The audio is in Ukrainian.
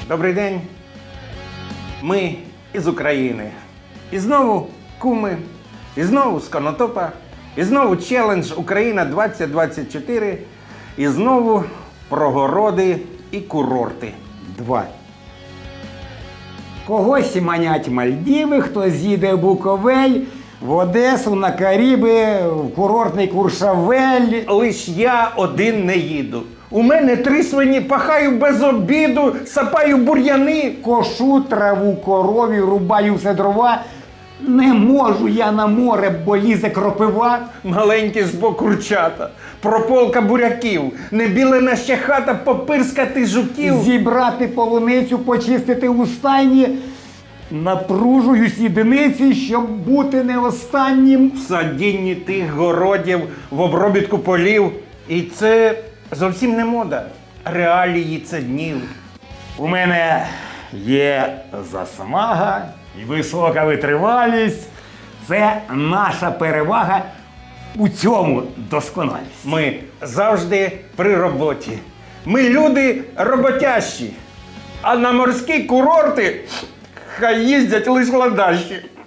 Добрий день. Ми із України. І знову куми, і знову з Конотопа, і знову челендж Україна 2024, і знову про городи і курорти. 2. Когось манять Мальдіви, хтось їде в Буковель, в Одесу, на Каріби, в курортний Куршавель. Лиш я один не їду. У мене 3 свині, пахаю без обіду, сапаю бур'яни. Кошу траву корові, рубаю все дрова. Не можу я на море, бо лізе кропива. Маленькі ж бо курчата, прополка буряків, небілена ще хата, попирскати жуків. Зібрати полуницю, почистити у стайні. Напружуюсь єдиниці, щоб бути не останнім. В садінні тих городів, в обробітку полів. І це зовсім не мода. Реалії це днів. У мене є засмага і висока витривалість. Це наша перевага, у цьому досконалість. Ми завжди при роботі. Ми люди роботящі. А на морські курорти хай їздять лише ладащі.